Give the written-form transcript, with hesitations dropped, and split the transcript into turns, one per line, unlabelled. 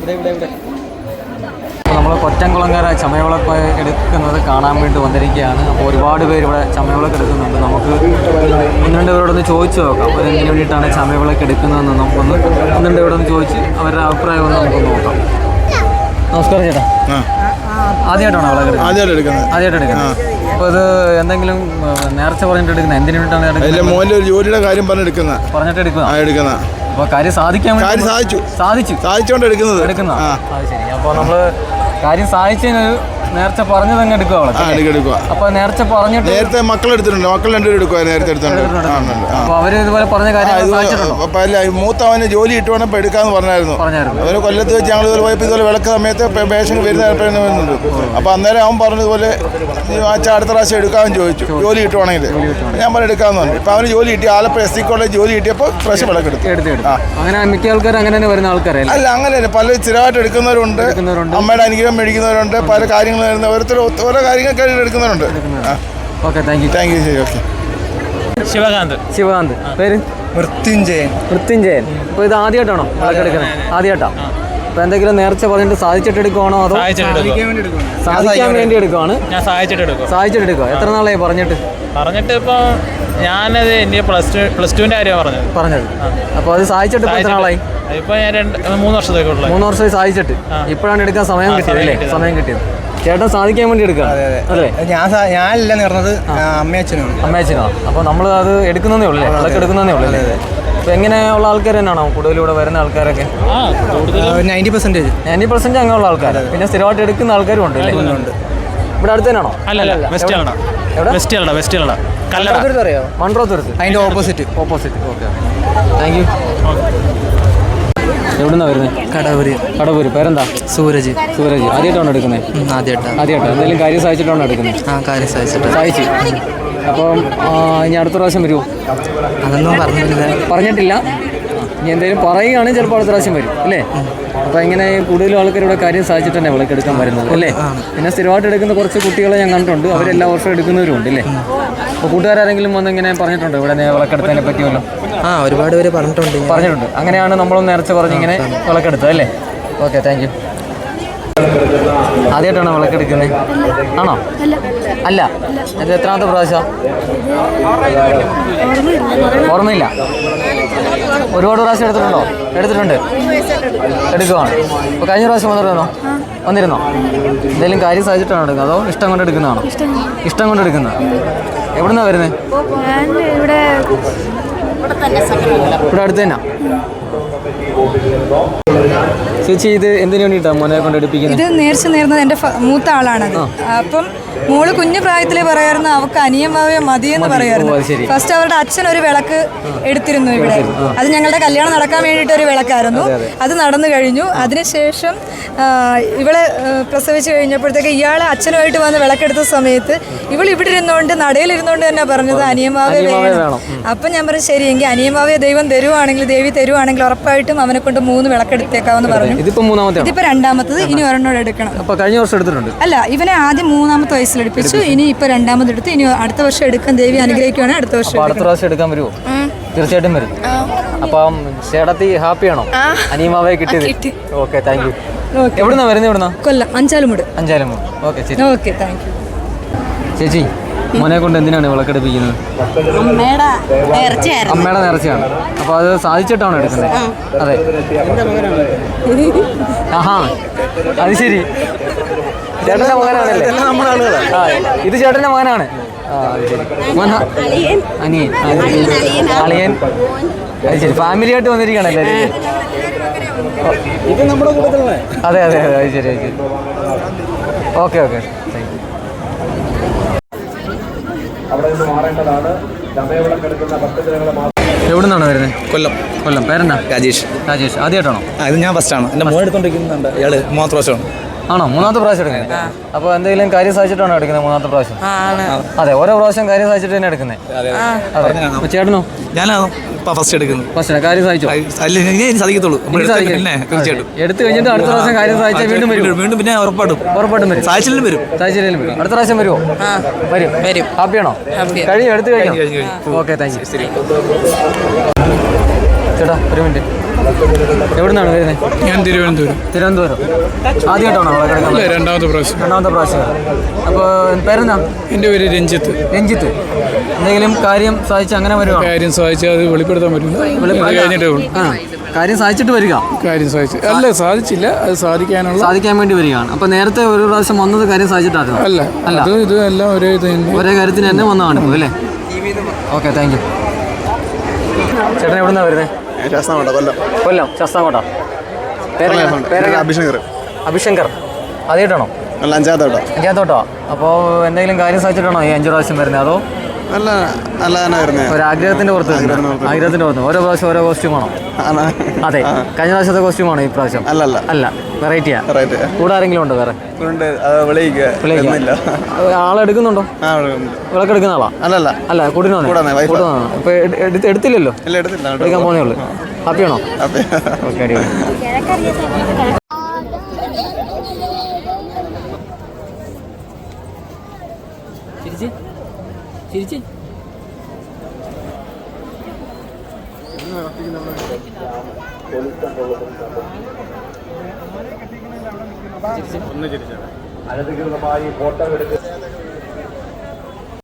നമ്മൾ കൊറ്റംകുളങ്ങര ചമയവിളക്ക് എടുക്കുന്നത് കാണാൻ വേണ്ടി വന്നിരിക്കുകയാണ്. അപ്പോൾ ഒരുപാട് പേര് ഇവിടെ ചമയവിളക്ക് എടുക്കുന്നുണ്ട്. നമുക്ക് ഒന്ന് രണ്ട് പേരോടൊന്ന് ചോദിച്ചു നോക്കാം അവരെന്തിനു വേണ്ടിയിട്ടാണ് ചമയവിളക്ക് എടുക്കുന്നതെന്ന് നമുക്കൊന്ന് ഒന്ന് രണ്ട് പേരോടൊന്ന് ചോദിച്ച് അവരുടെ അഭിപ്രായം ഒന്ന് നമുക്കൊന്ന് നോക്കാം. നമസ്കാരം ചേട്ടാ. ആദ്യമായിട്ടാണോ വിളക്ക് ആദ്യമായിട്ട് എടുക്കുന്നത്? അപ്പോൾ ഇത് എന്തെങ്കിലും നേർച്ച പറഞ്ഞിട്ട് എടുക്കുന്നത് എന്തിനു വേണ്ടിയിട്ടാണ്?
മോൻ്റെ ഒരു ജോലിയുടെ കാര്യം പറഞ്ഞിട്ട് എടുക്കുന്ന
അപ്പോൾ കാര്യം സാധിക്കാൻ
സാധിച്ചുകൊണ്ട് എടുക്കുന്നത്.
അത് ശരി. അപ്പോൾ നമ്മൾ കാര്യം സാധിച്ചതിനൊരു നേരത്തെ പറഞ്ഞത് അങ്ങ് എടുക്കുക. അപ്പൊ നേരത്തെ പറഞ്ഞിട്ട്
നേരത്തെ മക്കളെടുത്തിട്ടുണ്ട്. മക്കൾ രണ്ടുപേരും എടുക്കുക. നേരത്തെ എടുത്തിട്ടുണ്ട്.
അപ്പൊ അവര് ഇതുപോലെ പറഞ്ഞ കാര്യം
മൂത്തവന് ജോലി ഇട്ടുവേണം ഇപ്പൊ എടുക്കാന്ന് പറഞ്ഞായിരുന്നു. അവര് കൊല്ലത്ത് വെച്ച് ഞങ്ങൾ ഇതുപോലെ പോയപ്പോൾ ഇതുപോലെ വിളക്ക് സമയത്ത് പേഷൻ വരുന്നുണ്ട്. അപ്പൊ അന്നേരം അവൻ പറഞ്ഞതുപോലെ അടുത്ത പ്രാവശ്യം എടുക്കാമെന്ന് ചോദിച്ചു. ജോലി കിട്ടുവാണെങ്കിൽ ഞാൻ പറഞ്ഞ എടുക്കാന്ന് പറഞ്ഞു. ഇപ്പൊ അവന് ജോലി കിട്ടി. ആലപ്പുഴ SC കോളേജ് ജോലി കിട്ടിയപ്പോൾ പ്രാവശ്യം വിളക്ക് എടുത്തു.
അങ്ങനെ മിക്ക ആൾക്കാർ അങ്ങനെ തന്നെ വരുന്ന ആൾക്കാരല്ല.
അല്ല, അങ്ങനെയല്ല. പല സ്ഥിരമായിട്ട് എടുക്കുന്നവരുണ്ട്. അമ്മയുടെ അനുഗ്രഹം മേടിക്കുന്നവരുണ്ട്. പല കാര്യങ്ങൾ ഓരോരുത്തർ ഓരോ കാര്യങ്ങൾ എടുക്കുന്നവരുണ്ട്.
Okay, thank you.
ശരി, ഓക്കെ.
ശിവകാന്ത്. പേര്? മൃത്യുഞ്ജയൻ. അപ്പോൾ ഇത് ആദ്യമായിട്ടാണോ വിളക്ക് എടുക്കുന്നത്? ആദ്യമായിട്ടാണ്. അപ്പോൾ എന്തെങ്കിലും നേർച്ച പറഞ്ഞിട്ട് സാധിച്ചിട്ട് എടുക്കുവാണോ അതോ സാധിക്കാൻ വേണ്ടി എടുക്കുവാണ്? സാധിച്ചിട്ട് എടുക്കുക. എത്ര നാളായി പറഞ്ഞിട്ട്?
ഇപ്പോൾ ഞാനത് എൻ്റെ പ്ലസ് ടുവിൻ്റെ കാര്യമാണ് പറഞ്ഞത്.
അപ്പോൾ അത് സാധിച്ചിട്ട് എത്ര നാളായി?
ഇപ്പോൾ ഞാൻ 3 വർഷത്തേക്കുള്ള
3 വർഷമായി സാധിച്ചിട്ട് ഇപ്പോഴാണ് എടുക്കാൻ സമയം കിട്ടിയത്. സമയം കിട്ടിയത് ചേട്ടൻ സാധിക്കാൻ വേണ്ടി എടുക്കുക അല്ലേ?
ഞാനല്ല നേർന്നത്,
അമ്മയച്ചനോ? അപ്പോൾ നമ്മൾ അത് എടുക്കുന്നതേ ഉള്ളൂ, അതൊക്കെ എടുക്കുന്നതേ ഉള്ളൂ അല്ലേ? അപ്പോൾ എങ്ങനെയുള്ള ആൾക്കാർ തന്നെയാണോ കൂടുതലൂടെ വരുന്ന ആൾക്കാരൊക്കെ?
90%
അങ്ങനെയുള്ള ആൾക്കാർ. പിന്നെ സ്ഥിരമായിട്ട് എടുക്കുന്ന ആൾക്കാരും ഉണ്ട് അല്ലേ? ഇവിടെ അടുത്ത് തന്നെയാണോ? അറിയോ? മൺട്രോത്തുരുത്ത്.
അതിൻ്റെ ഓപ്പോസിറ്റ്.
Okay, thank you. എവിടുന്നാ വരുന്നത്? കടവൂര്. പേരെന്താ? സൂരജ്. ആദ്യമായിട്ടാണോ എടുക്കുന്നത്? ആദ്യമായിട്ടാണ്. എന്തെങ്കിലും കാര്യം സാധിച്ചിട്ടാണോ എടുക്കുന്നത്?
കാര്യം
സാധിച്ചു. അപ്പം ഇനി അടുത്ത പ്രാവശ്യം വരുമോ?
അതൊന്നും
പറഞ്ഞിട്ടില്ല. ഇനി എന്തെങ്കിലും പറയുകയാണെങ്കിൽ ചിലപ്പോൾ അടുത്ത പ്രാവശ്യം വരും അല്ലേ? അപ്പോൾ ഇങ്ങനെ കൂടുതലും ആൾക്കാർ ഇവിടെ കാര്യം സാധിച്ചിട്ട് തന്നെ വിളക്കെടുക്കാൻ വരുന്നത് അല്ലേ? പിന്നെ സ്ഥിരമായിട്ട് എടുക്കുന്ന കുറച്ച് കുട്ടികളെ ഞാൻ കണ്ടിട്ടുണ്ട്. അവരെല്ലാ വർഷവും എടുക്കുന്നവരും ഉണ്ട് അല്ലേ? അപ്പോൾ കൂട്ടുകാരെങ്കിലും വന്നിങ്ങനെ പറഞ്ഞിട്ടുണ്ടോ ഇവിടെ വിളക്കെടുത്തതിനെ പറ്റിയല്ലോ?
ഒരുപാട് പേര് പറഞ്ഞിട്ടുണ്ട്.
അങ്ങനെയാണ് നമ്മളും നേരത്തെ പറഞ്ഞിങ്ങനെ വിളക്കെടുത്തത് അല്ലേ? Okay, thank you. ആദ്യമായിട്ടാണോ വിളക്കെടുക്കുന്നത്? ആണോ? അല്ല. ഇത് എത്രാമത്തെ പ്രാവശ്യം? ഓർമ്മയില്ല. ഒരുപാട് പ്രാവശ്യം എടുത്തിട്ടുണ്ട്. എടുക്കുവാണ്. അപ്പോൾ കഴിഞ്ഞ പ്രാവശ്യം വന്നിരുന്നോ? എന്തെങ്കിലും കാര്യം സാധിച്ചിട്ടാണോ എടുക്കുന്നത് അതോ ഇഷ്ടം കൊണ്ട് എടുക്കുന്നതാണോ? ഇഷ്ടം കൊണ്ട് എടുക്കുന്നത്. എവിടുന്നാണ് വരുന്നത്? ഇവിടെ അടുത്ത് തന്നെ. ചേച്ചി, ഇത് എന്തിനു വേണ്ടിയിട്ടാണ് മോനെ കൊണ്ട് എടുപ്പിക്കുന്നത്?
ഇത് നേർച്ച നേർന്നത് എൻ്റെ മൂത്ത ആളാണത്. അപ്പം മോള് കുഞ്ഞു പ്രായത്തിലേ പറയായിരുന്നു അവൾക്ക് അനിയമാവേ മതിയെന്ന് പറയായിരുന്നു. ഫസ്റ്റ് അവരുടെ അച്ഛൻ ഒരു വിളക്ക് എടുത്തിരുന്നു ഇവിടെ. അത് ഞങ്ങളുടെ കല്യാണം നടക്കാൻ വേണ്ടിയിട്ട് ഒരു വിളക്കായിരുന്നു. അത് നടന്നു കഴിഞ്ഞു. അതിനുശേഷം ഇവളെ പ്രസവിച്ച് കഴിഞ്ഞപ്പോഴത്തേക്ക് ഇയാളെ അച്ഛനുമായിട്ട് വന്ന് വിളക്കെടുത്ത സമയത്ത് ഇവൾ ഇവിടെ ഇരുന്നുകൊണ്ട് നടയിലിരുന്നുകൊണ്ട് തന്നെ പറഞ്ഞത് അനിയമാവേ വേണം. അപ്പം ഞാൻ പറഞ്ഞു ശരി, എങ്കിൽ അനിയമാവേ ദൈവം തരുവാണെങ്കിൽ ദേവി തരുവാണെങ്കിൽ ഉറപ്പായിട്ടും അവനെ കൊണ്ട് 3 വിളക്കെടുത്തേക്കാവെന്ന് പറഞ്ഞു. ഇതിപ്പോ രണ്ടാമത്തത്. ഇനി ഒരെണ്ണോട് എടുക്കണം.
കഴിഞ്ഞ വർഷം എടുത്തിട്ടുണ്ട്.
അല്ല, ഇവനെ ആദ്യം 3ാമത്തെ വയസ്സിലെടുപ്പിച്ചു. ഇനി ഇപ്പൊ 2ാമത് എടുത്ത്. ഇനി അടുത്ത വർഷം എടുക്കാൻ ദേവി അനുഗ്രഹിക്കുകയാണെങ്കിൽ അടുത്ത വർഷം
എടുക്കാൻ വരുമോ? തീർച്ചയായിട്ടും വരും. അപ്പം ചേട്ടത്തി ഹാപ്പിയാണോ അനിയമാവേ കിട്ടിയത്? Okay, thank you. എവിടുന്നാ വരുന്നത്?
Kollam Anchalumoodu.
Okay, thank you. ചേച്ചി, മോനെ കൊണ്ട് എന്തിനാണ് വിളക്കെടുപ്പിക്കുന്നത്? അമ്മയുടെ നേർച്ചയാണ്. അപ്പോൾ അത് സാധിച്ചിട്ടാണോ എടുക്കുന്നത്? അതെ. അത് ശരി. ചേട്ടൻ്റെ മകനാണല്ലേ? ഇത് ചേട്ടൻ്റെ മകനാണ്. അളിയൻ. അത് ശരി. ഫാമിലി ആയിട്ട് വന്നിരിക്കുകയാണല്ലേ? ഇത് നമ്മുടെ കൂട്ടത്തിലാണ്. അതെ. അത് ശരി. Okay, thank you. എവിടുന്നാണ് വരുന്നത്? കൊല്ലം. പേരെന്താ? രാജേഷ്. ആദ്യമായിട്ടാണോ?
ഇത് ഞാൻ ഫസ്റ്റാണ്. എൻ്റെ മോൻ എടുത്തോണ്ടിരിക്കുന്നുണ്ട്. ഇയാള് 3ാമത്തെ പ്രാവശ്യമാണ്.
ആണോ? 3ാമത്തെ പ്രാവശ്യം എടുക്കുന്നത്. അപ്പോൾ എന്തെങ്കിലും കാര്യം സാധിച്ചിട്ടാണോ എടുക്കുന്നത് 3ാമത്തെ പ്രാവശ്യം? അതെ, ഓരോ പ്രാവശ്യം കാര്യം സാധിച്ചിട്ട് തന്നെ എടുക്കുന്നത്. ചേട്ടനോ?
ഞാനാണോ ഫസ്റ്റ് എടുക്കുന്നത്?
ഫസ്റ്റ് കാര്യം സാധിച്ചോ?
സാധിക്കത്തുള്ളൂ.
എടുത്തു കഴിഞ്ഞിട്ട് അടുത്ത പ്രാവശ്യം കാര്യം സാധിച്ചാൽ
വീണ്ടും പിന്നെ ഉറപ്പായിട്ടും
വരും. സാധിച്ചില്ലെങ്കിലും വരും. അടുത്ത പ്രാവശ്യം വരുമോ? വരും. ഹാപ്പിയാണോ? എടുത്തു കഴിഞ്ഞു. Okay, thank you. ചേട്ടാ, ഒരു മിനിറ്റ്. എവിടുന്നാണ് വരുന്നത്?
ഞാൻ തിരുവനന്തപുരം.
തിരുവനന്തപുരം. ആദ്യമായിട്ടാണോ അവിടെ കിടക്കുന്നത്?
അല്ല, രണ്ടാമത്തെ പ്രാവശ്യം.
രണ്ടാമത്തെ പ്രാവശ്യം. അപ്പോൾ പേരെന്താ?
എൻ്റെ പേര് രഞ്ജിത്ത്.
രഞ്ജിത്ത്. എന്തെങ്കിലും കാര്യം സാധിച്ച് അങ്ങനെ വരുവാ?
കാര്യം സാധിച്ചാൽ അത് വെളിപ്പെടുത്താൻ പറ്റില്ല. കഴിഞ്ഞിട്ടേ ഉള്ളൂ.
കാര്യം സാധിച്ചിട്ട് വരിക?
കാര്യം സാധിച്ചു അല്ല, സാധിച്ചില്ല, അത്
സാധിക്കാൻ വേണ്ടി വരികയാണ്. അപ്പോൾ നേരത്തെ ഒരു പ്രാവശ്യം വന്നത് കാര്യം സാധിച്ചിട്ടായിരുന്നു?
അല്ല, അത് ഇത് എല്ലാം ഒരേ ഇത് തന്നെ,
ഒരേ കാര്യത്തിന് തന്നെ വന്നതാണ് ഇപ്പോൾ അല്ലേ? Okay, thank you. ചേട്ടൻ എവിടെ നിന്നാണ് വരുന്നത്?
ശാസ്താംകോട്ട, കൊല്ലം.
കൊല്ലം ശാസ്താംകോട്ട. പേര്
അഭിഷേകർ.
അഭിശങ്കർ. ആദ്യമായിട്ടാണോ?
അല്ല, അഞ്ചാമത്തോട്ടോ.
അഞ്ചാമത്തോട്ടോ. അപ്പോൾ എന്തെങ്കിലും കാര്യം സാധിച്ചിട്ടാണോ ഈ 5 പ്രാവശ്യം വരുന്നത്? അതോ
അല്ല, അല്ല തന്നെ വരുന്നത്.
ഒരു ആഗ്രഹത്തിൻ്റെ പുറത്ത്? ആഗ്രഹത്തിൻ്റെ പുറത്ത്. ഓരോ പ്രാവശ്യം ഓരോ കോസ്റ്റ്യൂമാണോ? അതെ. കഴിഞ്ഞ പ്രാവശ്യത്തെ കോസ്റ്റ്യൂമാണോ ഈ പ്രാവശ്യം?
അല്ലല്ല,
അല്ല, വെറൈറ്റിയാ. കൂടെ ആരെങ്കിലും ഉണ്ടോ വേറെ? ആളെടുക്കുന്നുണ്ടോ? വിളക്കെടുക്കുന്ന ആളാ?
അല്ലല്ല,
അല്ല, കൂട്ടിനോ? ഇപ്പൊ എടുത്തില്ലല്ലോ? എടുക്കാൻ പോന്നേ ഉള്ളൂ. ഹാപ്പിയാണോ? ഓക്കെ, അടിപൊളി. ചിരിച്ച്
അനധികൃതമായി ഫോട്ടോ എടുക്കുക.